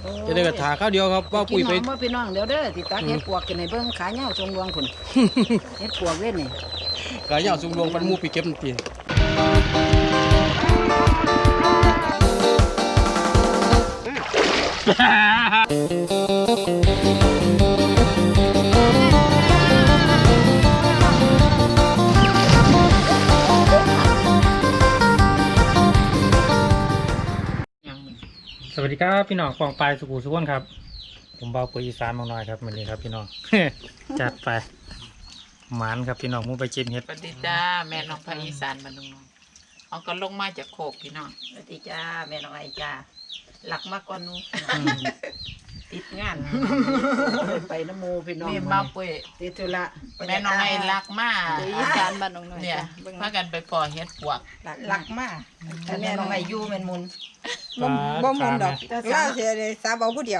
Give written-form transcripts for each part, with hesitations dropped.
จะได้กระถาข้าวเดียวครับว่าปุ๋ยไปกินหอมมาพี่น้องเดี๋ยวเด้อติดตาเฮ็ดปวกกินให้เบิ่งขาเหย้าทรงดวงพุ่น เฮ็ดปวกเว้นนี่กายยาวสูงดวงฟันมูไปเก็บตีสวัสดีครับพี่น้องฟองปลายสุขุสุขนครับผมเบาปุ๋ยอีสานบางน้อยครับวันนี้ครับพี่น้อง จัดไปหมานครับพี่น้องมูไปจิ้มเห็ดสวัสดีจ้าแม่น้องภาคอีสานบ้านน้องๆเอาก็ลงมาจากโคกพี่น้องสวัสดีจ้าแม่น้องไอจ้าหลักมากกว่านูติดงานไปน้ำมูพี่น้องนี่มาปุ้ยติดธุระแม่น้องไอ้รักมากอีสานบ้านน้องน้อยเนี่ยจ้ะเบิ่งพากันไปปอเฮ็ดปวกหลักมากแม่น้องไอยูเป็นมุนบ่มุนดอกล่าเสียเลยสาบเอาผู้เดียว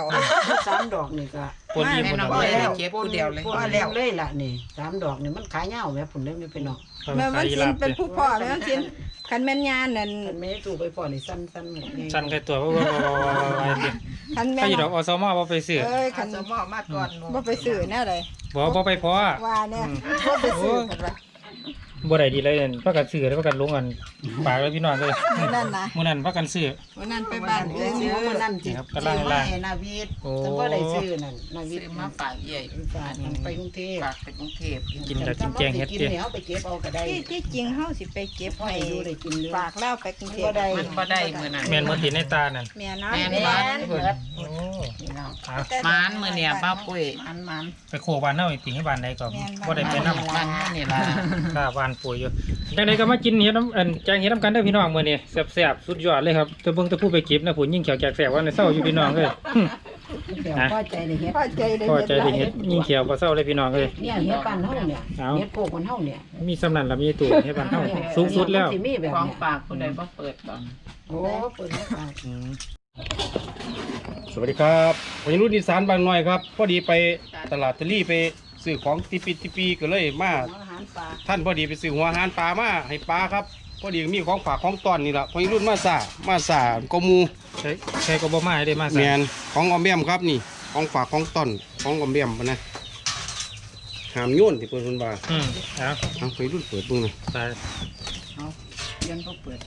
3 ดอกนี่ก็ปนอิ่มแม่ปนน้องเอาไอ้ไว้เก็บผู้เดียวเลยพอแล้วเลยล่ะนี่3 ดอกนี่มันขายเหย้าแม่พุ่นเลยไม่เป็นน้องแม่มันสินเป็นผู้พ่อแม่มันสินคันแม่นยานนั่นมันไม่ถูกไปพอนี่สั้นๆหมดไงสั่นไก่ตัวว่าคันแม่ถ้าอยู่นดอกอสมอบ่ไปซื้อเอ้ยคัขันนสมอมาก่อนหนูบ่ไปซื้อแน่เลยบ่ไปพอว่าเนี่ยบ่ไปซื้อกันว่าบ่ได้ดีเลยพากันซื้อแล้วพากันลงกันปากเลยพี่น้องเลยมื้อนั้นนะมื้อนั้นพากันซื้อวันนั้นไปบ้านเอเอ้อย ซื้อมานั่นจิครับซื้กำลังอล่ามาง ให้นาวิทย์โอ้แต่ว่าได้ซื้อนั่นนาวิทซื้อย์มาฝากใหญ่ฝากมันไปกรุงเทพฝากไปกรุงเทพกินกับกินแกงเฮ็ดกินเตี้ยเนี่ยเอาไปเก็บเอาก็ได้ที่จริงเฮาสิไปเก็บให้ให้ดูได้กินเลยฝากแล้วไปกรุงเทพบ่ได้มันบ่ได้มื้อนั้นแม่นบ่ติดในตานั่นแม่เนาะแม่นแม่บ้านนเพิ่นโอ้นี่เนาะเอามานมื้อเนี่ยป้าปุ้ยมันไปโคบ้านเฮาอีกติให้บ้านใดก็บ่ได้ไปนำบ้านนี่ล่ะข้าบ้านปุ๋ยอยู่จังไดก็มากินเห็ดน้ำแกงเห็ดน้ำกันเด้อพี่น้องมื้อนี้แซ่บๆสุดยอดเลยครับแต่เบิ่งแต่ผู้ไปเก็บนะผู้ยิ่งเขียวแจกแซ่บว่าในเศร้าอยู่พี่น้องเอ้ยเดี๋ยวพอใจได้เฮ็ดพอใจได้พอใจได้เห็ดยิ่งเขียวบ่เศร้าเลยพี่น้องเอ้ยเนี่ยเฮ็ดบ้านเฮาเนี่ยเอาเฮ็ดโกกบ้านเฮาเนี่ยมีสำนันละมีตู้เฮ็ดบ้านเฮาสูงสุดแล้วมันสิมีแบบของเนี้ยฝากผู้ใดบ่เปิดบ่โอ้เปิดให้ฝากอืมสวัสดีครับวันนี้รุ่นอีสานบางหน่อยครับพอดีไปตลาดตะลี่ไปซื้อของติปีก็เลยมาอาหารปลาท่านพอดีไปซื้อหัวอาหารปลามาให้ปลาครับพอดีมีของฝากของตอนนี่แหละพอรุ่นมาสากมูใช้ก็บ่มาให้ได้มาแมซะนของออมแบมครับนี่ของฝากของตอนของออมแบมปะนะหามโยนที่เปิดคนบ่าเอาเอาไปรุ่นเปิดเบึงนะไปเรียนบ่เปิด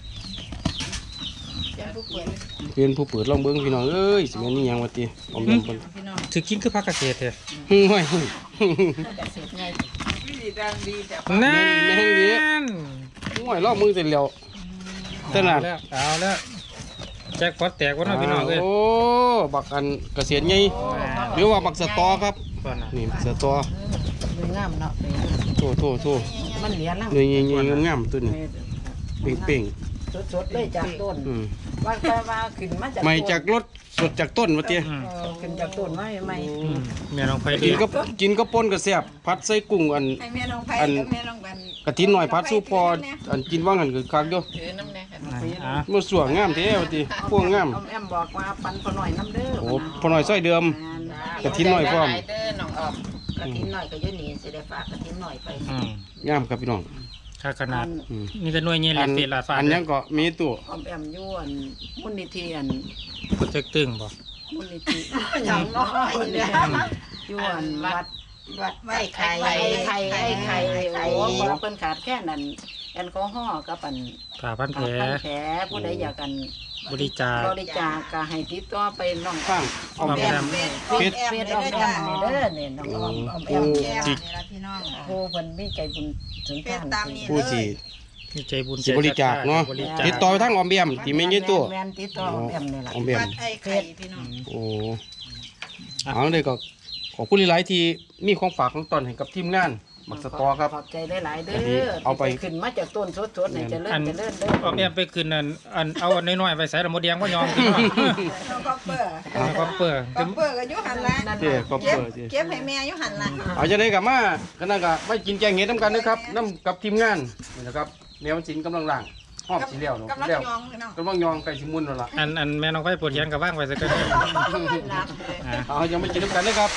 เรียนผู้เปิดลองเบิ้งพี่น้องเอ้ยสิแม่นนี่ยังวะตีออมแบมเพิ่นพี่น้องสิกินคือผักเกษตรแท้ห้วยเกษตรใหญ่ดีดังดีแต่นั่แม่งดีนห้วยลอกมือเสร็จแล้วขนาดเอาแล้วแจ็คพอตแตกว่าน้องพี่น้องเอ้ยโอ้บักอันเกษียณไงหรือว่าบักสตอครับก่อนน่ะนี่สตอเลยงามเนาะโทมันเหลียล่างหน่วยใหญ่ๆงามๆตัวนี้เป่งสดๆเลยจากต้นๆอืมว่าไปว่าขึ้นมาจากไม่จากรถสดจากต้นวะเตี้ยอืมขึ้นจากต้นไว้ไม่แม่น้องไผกินก็กินก็ป่นก็แซ่บผัดใส่กุ้งอันให้แม่น้องไผอันกับแม่น้องบันกะทิหน่อยผัดสู้พออันกินว่างกันคือคักเด้อถือน้ำแน่ค่ะอ่ะมันสวยงามแท้วะติพวกงามแอมบอกว่าปันพอหน่อยน้ำเด้อโอ้พอหน่อยซอยเดิม กะทิหน่อยพร้อมได้เด้อน้องออกกะทิหน่อยก็ยืนหนีสิได้ฝากกะทิหน่อยไปอืมงามครับพี่น้องค่าขนาดอืมนี่แต่หน่วยเงี้ยอันเศษลาดฟ้าอันยังก็มีตัวออมแอมยวนมุนิธิอันก็จะตึงบ่มุนิธิอย่างน้อยเนี่ยยวนวัดไอ้ไข่ไอ้ไข่โอ้บอกเพิ่นขาดแค่นั้นแอลกอฮอล์กับอันผ่าพันแผลแผลผู้ใดอยากกันบริจาคบริจาคก็ให้ติดต่อไปน้องข้างออมแอมเฟซออมแอมนี่เด้อนี่น้องออมแอมแก้วนี่ล่ะพี่น้องโอ้เพิ่นมีใจบุญถึงเป็นท่านตามนี้ผู้ที่มีใจบุญสิบริจาคเนาะบริจาคติดต่อไปทางออมแอมที่ไม่ใช่ตัวแม่นติดต่อออมแอมนี่ล่ะออมแอมวัดไอ้ไข่พี่น้องโอ้เอาเลยก็ขอบคุณหลายๆที่มีของฝากของตอนให้กับทีมงานบักสตอครับขอบใจหลายๆเด้อันนี้อเอาไปขึ้นมาจากต้นสดๆนี่จะเลิ่นเด้อออมแอมไปคืนอันเอาอันน้อยๆไปใส่ละมดแดงว่ายอมพี่น้องน้องก็เปิดเอาก็เปิดก็เปิดก็อยู่หันละเจ้ขอบเก็บคุณเจ้เก็บให้แม่อยู่หันละเอาจะได้กับมาก็นั่นก็ไม่กินแกงเห็ดน้ำกันนะครับน้ำกับทีมงานนี่นะครับแมวสินกำลังล่างหอมสีเหลวเนาะกำลังแล้วยองพี่น้องกำลังยองไก่ชิมุนแล้วล่ะอันแม่น้องไฟปวดแขนกับว่างไปสักกันรับเลยอ่ะเอายังไม่กินน้ำกันนะครับ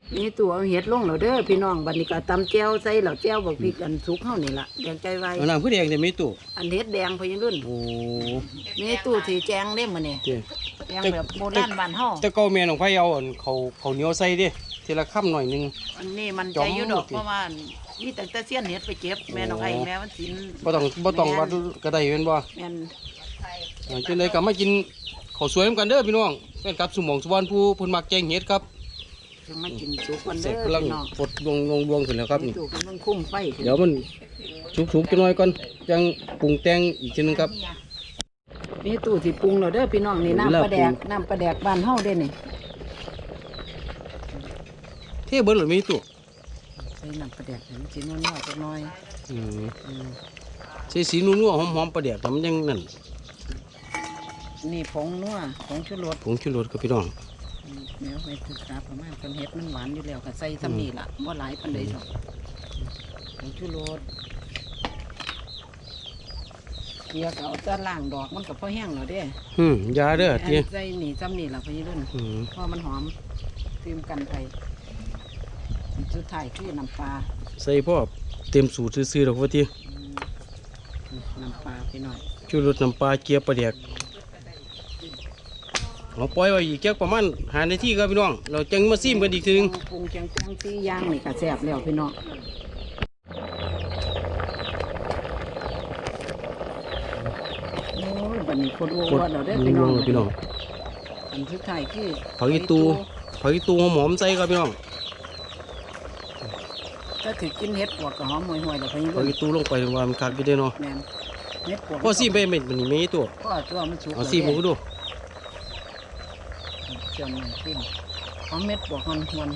นี่ตัวเอาเห็ดลงแล้วเด้อพี่น้องบัดนี้ก็ตำแจ่วใส่แล้วแจ่วบักพริกอันสุกเฮานี่ล่ะแดงใจไว้เอาน้ำคือแดงแต่มีตู้อันเห็ดแดงพอยังรุ่นโอ้นี่ตู้ที่แจงเด้มื้อนี้เจ้แจงแบบโบราณบ้านเฮาแต่เก่าแม่น้องไผเอาอันเขาเหนียวใส่เด้ทีละค่ำหน่อยหนึงอันนี้มันใจอยู่ดอกเพราะว่ามีแต่เสี้ยนเห็ดไปเก็บแม่น้องไอ้แม่มันสินบ่ต้องวัดก็ได้แม่นบ่แม่นจังได๋ก็มากินข้าวสวยนำกันเด้อพี่น้องแฟนคลับสุหม่องสุวรรณภูเพิ่นมักแกงเห็ดครับถึงมากินสุกกันเสร็เด้จอกำลังพี่น้องปลดลวงขึ้นแล้วครับนี่ตู้กำลังคุ้มไฟขึ้นเดี๋ยวมันสุกๆจักหน่อยก่อนจังปรุงแต่งอีกทีนึงครับนี่ตู้ที่ปรุงแล้วเด้อพี่น้องนี่เวลาน้ำปลาแดกปรุงน้ำปลาแดกบ้านเฮาเด้นี่เทเบิดหรือมีตู้ใส่น้ำปลาแดกให้มันสินัวๆจักหน่อยอืมอืมใส่สีนัวๆหอมๆประเดี๋ยวมันยังนั่นนี่ผงนัวผงชูรสผงชูรสครับพี่น้องเดี๋ยวไปศึกษาประมาณกันเฮ็ดมันหวานอยู่แล้วก็ใส่ซ้ำนี่ล่ะบ่หลายปานใดดอกผงชูรสเกลือก็เอาแต่ล่างดอกมันก็พอแห้งแล้วเด้ยาเด้ออันเตี้ยใส่นี่ซ้ำนี่ล่ะพี่รุ่นอืมเพราะมันหอมเตรียมกันไปอันสุดท้ายคือน้ำปลาใส่พ่อเต็มสูตรซื่อๆดอกว่าเตี้ยน้ำปลาพี่น้อยชูรสน้ำปลาเกี๊ยวประเดี๋ยวเราปล่อยไว้อีกแค่ประมาณ5 นาทีครับพี่น้องเราจังมาซิมกันอีกทีนึงปรุงแกงซีย่างนี่ก็แซ่บแล้วพี่น้องโอ้ยบัดนี้คนอ้วนเราได้อพี่น้องพี่น้องอันสุดท้ายคือผักอีตูหอมๆใส่ครับพี่น้องถ้าถือกินเห็ดปวกกับหอมห่วยๆแล้วพี่ผักรุ่นอีตูลงไปว่ามันคักอยู่เด้อเนาะแม่นเห็ดปวกพอซิมไปเม็ดมันนี่มีตัวพ่อตัวมันสุกเอาซิมหมูดูเจียวมันขึ้นหอมเม็ดปวกมันหวน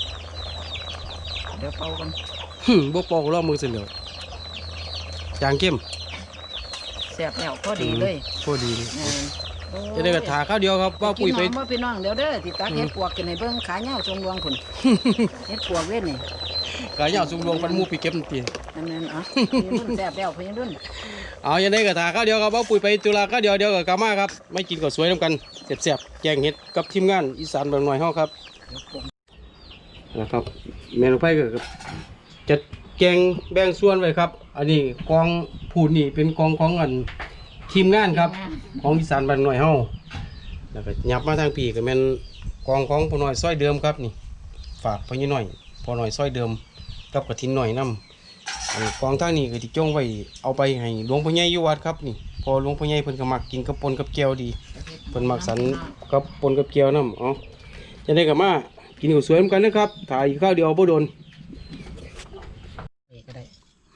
เดี๋ยวเป่ากันบ่ปอกรอบมือเสร็จแล้วจางเข้มแซ่บแล้วพอดีเลยพอดีแม่นโอ้ยจะได้กระถาข้าวเดียวครับว่าปุ๋ยไปกินหอมบ่พี่น้องเดี๋ยวเด้อติตักเห็ดปวกกินในเบิ้งขาเหย้าทรงดวงคุณ เห็ดปวกเว้นนี่กายาวสุงดวงปันหมูไปเก็บตีอันนั้นอ่ะพี่รุ่นแซ่บแล้วพี่รุ่นเอายังได้กระถาข้าวเดียวครับว่าปุ๋ยไปตุลาข้าวเดียวกับกามาครับไม่กินก็สวยน้ำกันแซ่บๆแกงเห็ดกับทีมงานอีสานบางหน่อยเฮาครับนะครับเมนูไผ่ก็จัดแกงแบ่งส่วนไว้ครับ อันนี้กองผูดนี่เป็นกองของอันทีมงานครับของอีสานบางหน่อยเฮาแล้วก็ยับมาทางปีก็เป็นกองของพ่อน้อยซอยเดิมครับนี่ฝากพ่อยี่น้อยพ่อน้อยซอยเดิมกับกระถินหน่อยน้ำ อันกองทางนี้ก็ที่จ้องไว้เอาไปให้หลวงพ่อใหญ่อยู่วัดครับนี่พอหลวงพ่อใหญ่เพิ่นก็มักกินกับปนกับแก้วดีเพิ่นมักสันกับปนกับแก้วน้ำเอาจะได้กับมากินข้าวสวยเหมือนกันนะครับถ่ายข้าวเดียวบ่โดนก็ได้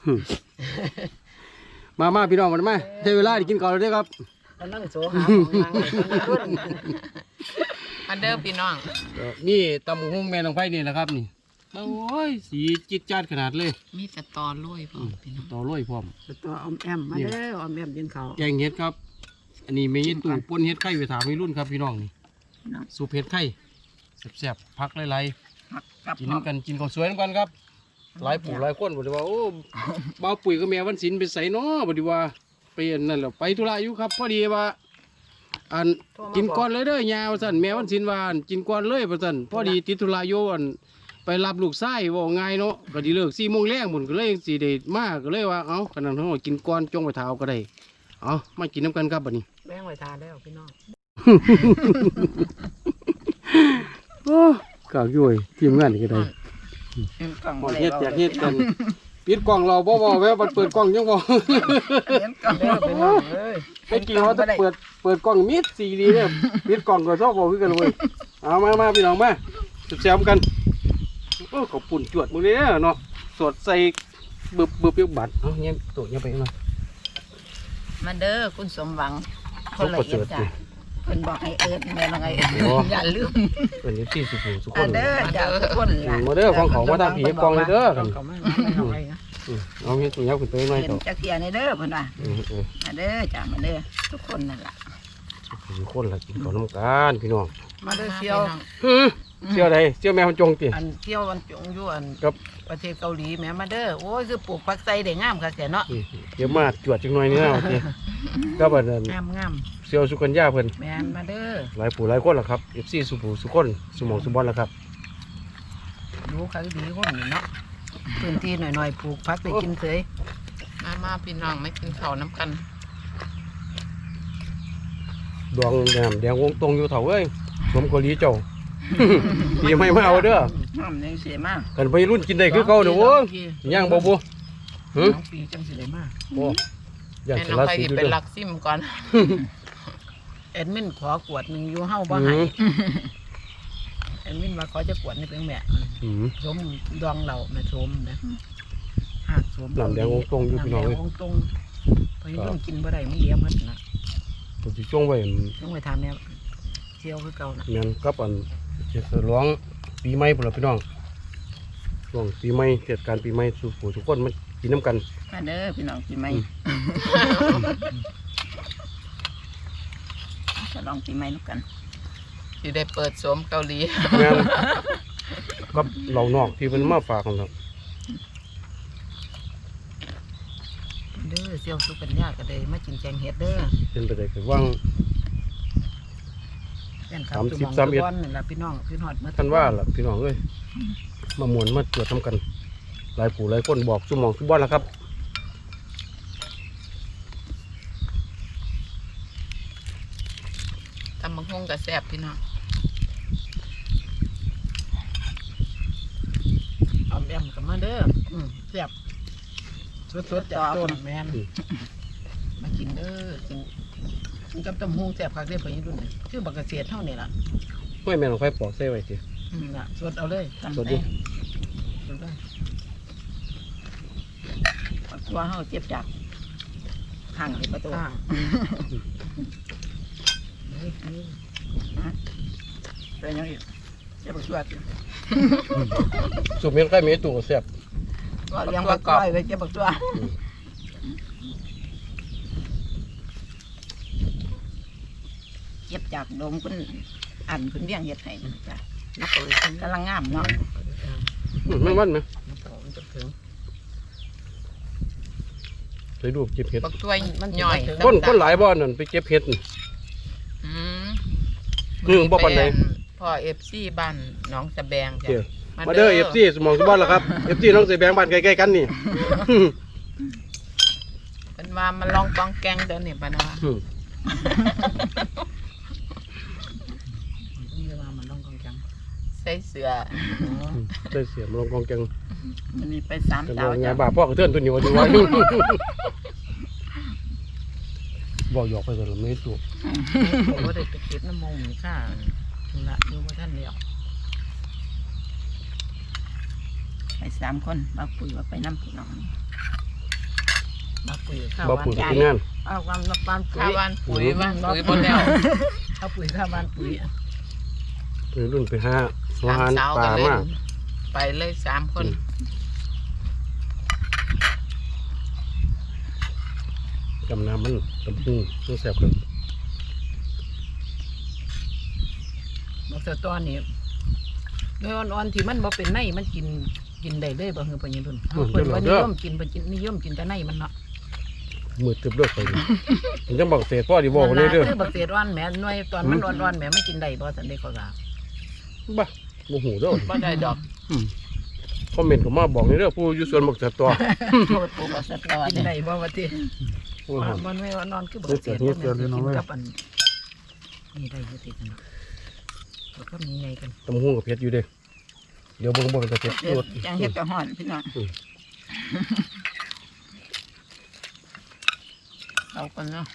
มาพี่น้องมาได้เวลาได้กินข้าวแล้วเด้อครับกำลังโสหาของนางพี่รุ่นอันเด้อพี่น้องนี่ตำบักหุ่งแม่น้องไผ่นี่แหละครับนี่โอ้ยสีจิตจัดขนาดเลยมีแต่ตอลุยพ่อพี่น้องต่อร้อยพร้อมตัวอมแอมมาเด้ออมแอมยินเขาวแกงเห็ดครับ อันนี้มีตู่ปนเห็ดไข่ไปถามพี่รุ่นครับพี่น้องนี่สูบเห็ดไข่แซ่บๆพักหลายๆกับกินน้ำกันกินข้าวสวยน้ำกันครับหลายปู่หลายคนบอกว่าโอ้บ่าวปุ๋ยกับแม่วันศิลป์ไปใส่น้อบอกว่าไปอันนั่นแหละไปธุระอยู่ครับพอดีว่าอันกินก่อนเลยเด้อยาวสั่นแม่วันศิลป์ว่าอันกินก่อนเลยประสันพอดีติดธุระอยู่อันไปรับลูกชายว่าง่ายเนาะก็ดีเลิก4 โมงแรงบุญก็เลยสีเดชมากก็เลยว่าเอ้าขนาดนั้นกินก่อนจงไปเท้าก็ได้เอามากินน้ำกันครับบัดนี้แบ่งไว้ทานแล้วพี่น้องโอ้กากยุ่ยทีมงานนี่ก็ได้กล่องหมดเฮ็ดแจกเฮ็ดกันปิดกล่องเราบ่แววบัดเปิดกล่องยังบ่เลี้ยงกล่องเด้อพี่น้องเอ้ยไอ้กี่เขาจะเปิดกล่องมิดสีดีเนี่ยปิดกล่องก็ชอบบอกคือกันเลยเอามาพี่น้องมาแซมกันโอ้ขอบปุ่นจวดมือเลยเนาะสดใส่บึบยกบัตรเอาเงี้ยตัวเงี้ยไปหน่อยมาเด้อคุณสมหวังคเขานละก็เอีเจิยดดจ้ะสิเพิ่นบอกให้เอิ้นแม่น้องไอ้โอ้อย่าลืมเป็นนิสัยสุขุมสุขคอันนเด้อจ้าทุกคนล่ะมาเด้อของเขามาทำผีกล่องเลยเด้อกันเขามาเอาไว้นะเอาเงี้ยตัวเงี้ยขึ้นไปหน่อยเห็นต่อจักเทียในเด้อเพิ่นว่ามาเด้อจ้ามาเด้อทุกคนนั่นล่ะสุขคนละกินข้าวน้ำกันพี่น้องมาเด้อเที่ยวเสี่ยวใดเสี่ยวแมวจงติอันเที่ยววันจงอยู่อันครับประเทศเกาหลีแหม่มาเด้อโอ้ยคือปลูกผักไส้ได้งามคักแท้เนาะเดี๋ยวมาจวดจังหน่อยนี่นะโอเคก็บัดนั้นงามเสี่ยวสุกัญญาเพิ่นแม่นมาเด้อหลายผู้หลายคนล่ะครับ FC สุผู้สุคนสุหมองสุบอลล่ะครับดูเขาดีคนนี่เนาะพื้นที่หน่อยๆปลูกพักไปกินเฉยมาพี่น้องไม่กินข้าวน้ำกันดวงแดงวงตรงอยู่เถาเอ้ยสมเกาหลีเจ้า ปีไม่มาเอาเด้อน้ำยังเสียมากกันไปรุ่นกินได้คือเก่าเด้อโว้ยย่างบ่บ่หึน้องปีจังสิได้มากโอ้ย่างแม่สน้องลัดไปสิที่ดูเป็นเด้อลักซิมก่อนแอดมินขอกวดหนึ่งอยู่เฮาบ่ให้แอดมินมาขอจะกวดนี่เป็นแม่อืมสมดองเราแม่สมนะหากสมน้ำแดงวงตรงอยู่พี่น้องเอ้ยน้ำแดงวงตรงไปรุ่นกินบ่ได้มันเลี้ยมันนะผมสิช่วงไว้ต้องไปทำเนี่ยเที่ยวคือเก่านะแม่นกับอันจะฉลองปีใหม่พุ่นล่ะพี่น้องช่วงปีใหม่เทศกาลปีใหม่สู่ผู้ทุกคนมากินน้ำกันมาเด้อพี่น้องปีใหม่จะลองปีใหม่ลูกกันที่ได้เปิดสวมเกาหลีแม่นกับเหล่านอกที่เพิ่นมาฝากกันครับเด้อเสี่ยวสุกัญญาก็ได้มากินแกงเห็ดเด้อเป็นไปได้คือว่างแฟนคลับ 30 จุ่ม 31 นี่ล่ะพี่น้องพี่ฮอดมาท่านว่าล่ะพี่น้องเอ้ยมามวนมาตรวจทำกันหลายผู้หลายคนบอกสุหมองสุบอนแล้วครับทำมังคงกับแซ่บพี่น้องเอาแอมกันมาเด้อแซ่บสดๆจากต้นแม่นมากินเด้อกินกับตำหูแซ่บคักเด้อพ่อยี่รุ่นนี่คือบักเกษตรเท่านี่ล่ะไม่แม่นของไฟปอกเส้ไว้สิน่ะสดเอาเลยตำสดดิสดเลยปักตัวเฮาเจ็บจากข้างที่ประตูเป็นยังอีกเจ็บปักตัวสุกเมียนใกล้เมียตู่ก็แซ่บก็เลี้ยงปักตัวไว้เจ็บปักตัวเจ็บจากดมคุณอันคุณเลี้ยงเห็ดให้จ้ะนักเลยกำลังงามเนาะแม่งวันไหมใส่รูปเก็บเห็ดบักตัวย่อยคนหลายบ่อนั่นไปเก็บเห็ดนี่อืมบ่ปานใดพ่อเอฟซีบ้านหน้องสะแบงจ้ะเดี๋ยวมาเด้อ FC สมองสุบอนแล้วครับ FC น้องเสยแบงบ้านใกล้ๆกันนี่เป็นว่ามันลองกองแกงเดินนี่ปะนะนี่ว่ามันต้องกองจังใส่เสื้อได้เสียมาลงกองแกงมันมีไปสามกันเจ้าว่าไงจ้ะบ่าพ่อกระเทือนตัวนี้ว่าดีว่าบอกหยอกไปก่อนแล้วไม่ถูกผมว่าได้ไปเก็บน้ำมงนี่ค่ะละดูว่าท่านเดียวไป3 คนมาปุ๋ยว่าไปน้ำพี่น้องมาปุ๋ยข้าวบ่วานปุ๋ยใหญ่ที่งานเอาความนับบ้านปุ๋ข้าวย วันปุ๋ยวันปุ๋ยบนแล้วเอาปุ๋ยข้าวบ้านปุ๋ยไปรุ่นไปหาสามหาสาวปกัลานเลยมาไปเลย3 คนกำน้ำมันตำหูต้องแซ่บเลยบอกเสือตอนนี้โดยอ่อนๆที่มันบ่เป็นในมันกินได้เลยบ่เฮือปะยินรุ่นเพิ่นว่านิยมกินเพิ่นกินนิยมกินแต่ในมันเนาะมือตึบเลือกไปนี่ผมจะบอกเศษพ่อดีบอกเลยเด้อคือบักเศษอ่อนแหมหน่วยตอนมันอ่อนๆแหมไม่กินได้บ่สันได้ก็ว่าบ้าโมโหเด้อบ่ได้ดอกคอมเมนต์เข้ามาบอกในเรื่องผู้อยู่สวนบอกจะตัวโทษปูบักเศษอ่อนกินได้บ่ว่าติมันไม่อ่อนๆคือบักเศษกินกับอันนี่ได้อยู่ติกันเนาะแล้วก็มีไงกันตำหูกับเพชรอยู่เด้เดี๋ยวเบิ่งเป็นตะเพชรรถจังเฮ็ดกับฮ้อนพี่น้องเอากันเนาะ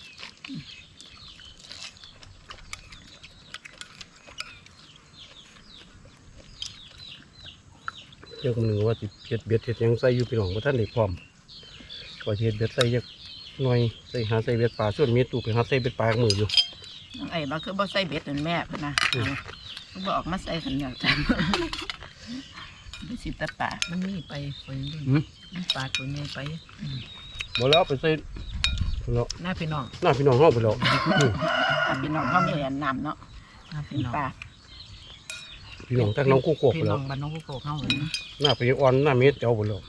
เจ้าคนหนึ่งว่าสิเพชรเบ็ดเพชรยังใส่อยู่พี่น้องว่าท่านได้พร้อมว่าสิเฮ็ดเบ็ดใส่ยักหน่อยใส่หาใส่เบ็ดปลาส่วนมีตู้ไปหาใส่เบ็ดปลากับมืออยู่น้องไอ้บ่คือบ่ใส่เบ็ดนั่นแม่เพิ่นนะบ่ออกมาใส่ขันเหนียวจังดูสิตะปามันมีไปคนนึงมันปลาตัวนี้ไปบ่แล้วเอาไปใส่แล้วหน้าพี่น้องหน้าพี่น้องห้องไปแล้วพี่น้องเขามีอันน้ำเนาะหน้าพี่น้องปลาพี่น้องทั้งน้องคู่โคกไปพี่แล้น้วองบ้านน้องกุ๊กเขาเลยนะหน้าไปอ่อนหน้าเม็ดเจ้าไปแล้ว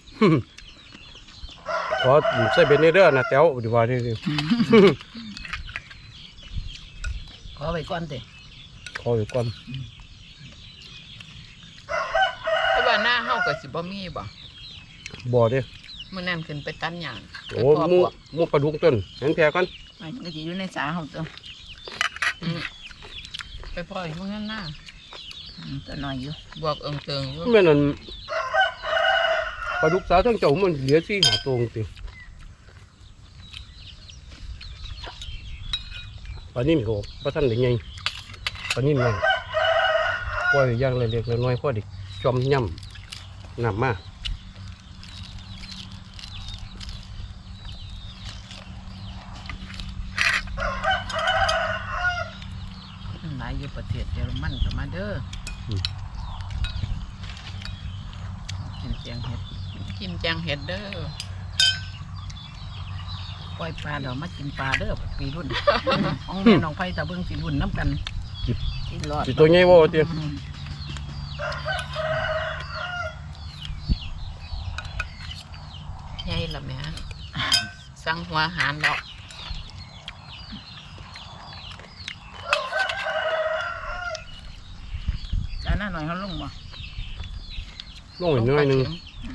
ขอใส่เบ็ดในเด้อนะแต้วดีว่านี่ดิขอไว้ก่อนเถอะขออยู่ก่อนว่าหน้าเฮาก็สิบ่มีบ่บ่เด้อมื้อนั้นขึ้นไปตันหยางโอ้หมูปลาดุกต้นเห็นแพรก่อนมันก็สิอยู่ในสาเฮาตัวไปปล่อยมื้อนั้นหน้าตัวน้อยอยู่บวกเอิงเติงอยู่แม่นั่นปลาดุกสาวทั้งเจ้ามันเหลือ4 5ตัวติปลานิ่มโหบ่ทันได้ใหญ่ปลานิ่มใหญ่ปล่อยอย่างเล็กๆน้อยๆพอดิจอมย่ำน้ำมาหลายอยู่ประเทศเยอรมันก็มาเด้อกินเสียงเห็ดกินแจงเห็ดเด้อปล่อยปลาเดี๋ยวมากินปลาเด้อปีรุ่น ของแม่น้องไผ่ตะเบิ่งปีรุ่นน้ำกันกินรอดสิตัวใหญ่บ่ติใหญ่ละแม่สั่งหัวอาหารแล้วจานหน้าหน่อยเขาลงบ่ลงอีกน้อยหนึง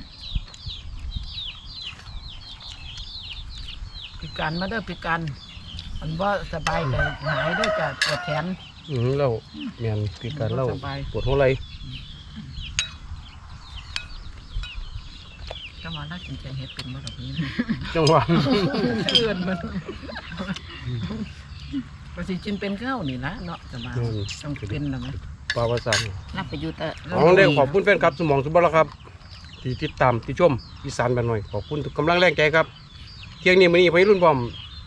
ปีการมาเด้อปีการมันว่าสบายใจหายเด้อจะปวดแขนแล้วแม่นคือการเล่าสบายปวดหัวไหล่ก็มาน่ากินแกงเห็ดเป็นมาแบบนี้จังหวะเอื่อนมันภาษีจินเป็นข้าวนี่นะเนาะจะมาต้องเป็นนะไหมปลาภาษานับไปอยู่แต่เอาได้ขอบคุณแฟนครับสมองสุบละครับ ที่ติดตามที่ชมอีสานบ้านหน่อยขอบคุณทุกกำลังแรงใจครับเที่ยงนี้มื้อนี้ไปรุ่นพร้อม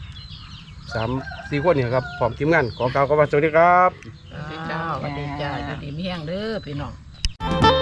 3-4 คนเนี่ยครับพร้อมทีมงานขอกล่าวคำว่าสวัสดีครับสวัสดีจ้าสวัสดีจ้าจะดีไม่แห้งเด้อพี่น้อง